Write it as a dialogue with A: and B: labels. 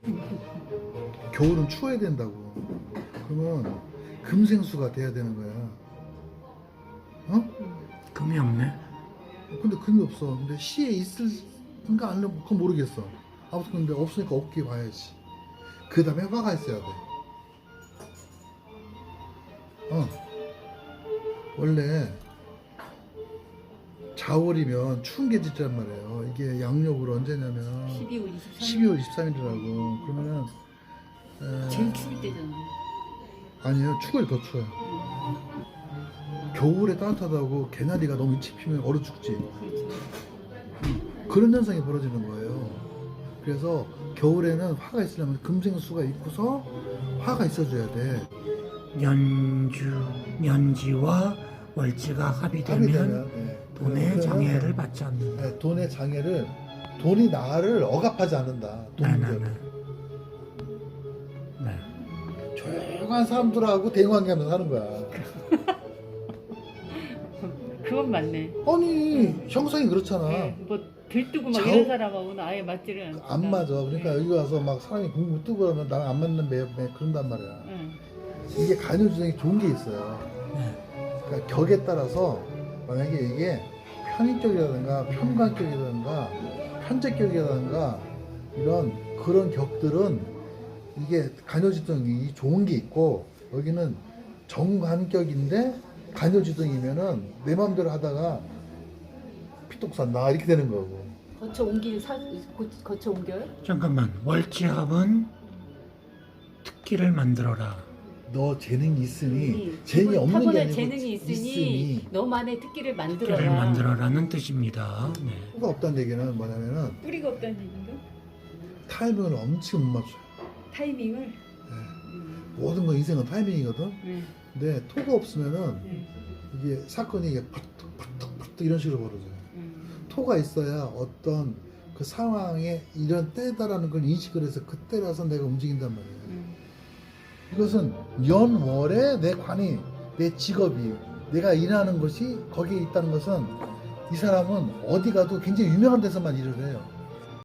A: 겨울은 추워야 된다고. 그러면 금생수가 돼야 되는 거야. 어?
B: 금이 없네.
A: 근데 금이 없어. 근데 시에 있을까 안 그건 모르겠어. 아무튼 근데 없으니까 없게 봐야지. 그 다음에 화가 있어야 돼. 원래 자월이면 추운 게 짖란 말이에요. 이게 양력으로 언제냐면 12월 23일이라고. 그러면은
C: 제일 추울 때잖아.
A: 아니에요. 추워요. 더 추워요. 겨울에 따뜻하다고 개나리가 너무 일찍 피면 얼어 죽지.
C: 그렇죠.
A: 그런 현상이 벌어지는 거예요. 그래서 겨울에는 화가 있으려면 금생수가 있고서 화가 있어줘야 돼.
B: 년지와 월지가 합의되면
A: 네.
B: 돈의
A: 그러면,
B: 장애를 받지 않는다.
A: 네, 돈의 장애를 돈이 나를 억압하지 않는다.
B: 네네네. 네.
A: 조용한 사람들하고 대관계하면서 사는 거야.
C: 그건 맞네.
A: 아니 형성이 그렇잖아.
C: 네, 뭐 들뜨고 막
A: 좌우-
C: 이런 사람하고는 아예 맞지를 않아.
A: 안 맞아. 그러니까 여기 와서 막 사람이 공부 뜨고 그러면 나랑 안 맞는 매 그런단 말이야.
C: 응.
A: 이게 간헐주정이 좋은 게 있어요.
B: 네.
A: 그러니까 격에 따라서 만약에 이게 편의격이라든가 편관격이라든가 편제격이라든가 이런 그런 격들은 이게 간헐주정이 좋은 게 있고, 여기는 정관격인데 간헐주정이면은 내 마음대로 하다가 피똥싼다 이렇게 되는 거고.
C: 거쳐 옮길 거쳐 옮겨요?
B: 잠깐만. 월지합은 특기를 만들어라.
A: 너 재능이 있으니
C: 음.
A: 재능이 없는 게
C: 타고난
A: 아니고
C: 재능이 있으니 너만의 특기를 만들어라.
B: 특기를 만들어라는 뜻입니다. 네.
A: 뿌리가 없다는 얘기는 뭐냐면은
C: 뿌리가 없다는 얘기인가?
A: 타이밍을 엄청 못 맞춰요.
C: 타이밍을.
A: 네. 모든 건 인생은 타이밍이거든. 근데 토가 없으면은 이게 사건이 이게 팍팍팍팍 이런 식으로 벌어져요. 토가 있어야 어떤 그 상황에 이런 때다라는 걸 인식을 해서 그때라서 내가 움직인단 말이에요. 이것은 연월에 내 관이, 내 직업이, 내가 일하는 것이 거기에 있다는 것은 이 사람은 어디 가도 굉장히 유명한 데서만 일을 해요.